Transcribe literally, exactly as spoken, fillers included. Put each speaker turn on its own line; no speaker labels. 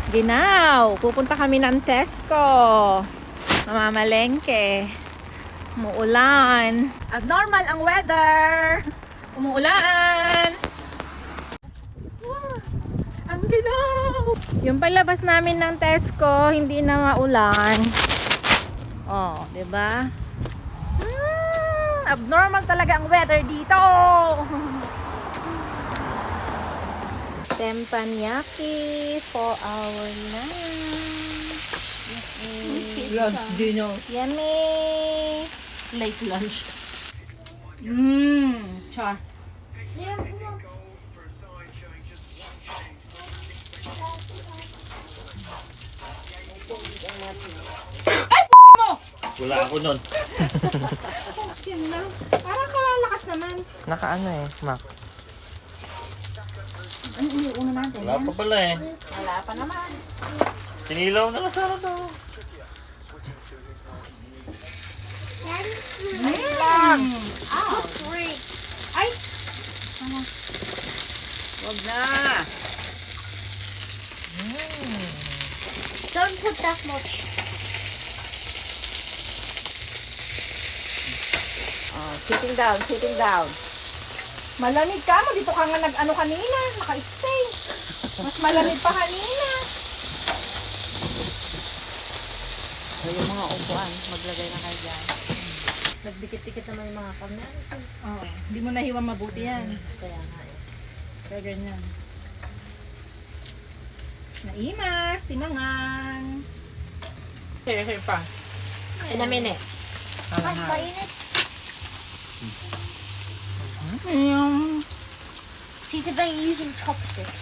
Ginaw, pupunta kami ng Tesco. Mamamalengke. Umuulan. Abnormal ang weather. Umuulan. Wow, ang ginaw. Yung palabas namin ng Tesco, hindi na maulan. Oh, 'di ba? Hmm, abnormal talaga ang weather dito. Teppanyaki for our lunch.
Lunch, dinner,
Yummy.
late lunch.
Mmm, char.
Wala ako nun.
Yan lang. Parang kalalakas naman.
Naka ano eh, Max.
Ano yung una natin?
Wala pa pala eh.
Wala pa naman.
Sinilaw na kasama to.
Nice lang. Ah, freak. Ay! Ano?
Wag na.
Don't put that much.
Oh, sitting down, sitting down.
Malamig ka mo. Dito ka nga nag-ano kanina. Naka-stay. Mas malamig pa kanina.
So, yung mga upuan, maglagay na kayo dyan.
Nagdikit-dikit naman yung mga kamyan.
Oo. Hindi mo nahiwa mabuti yan.
Kaya nga eh.
Kaya ganyan. Naimas. Timangan.
Okay, okay pa.
In a minute.
Alam na.
Ayun.
See if they're using chopsticks.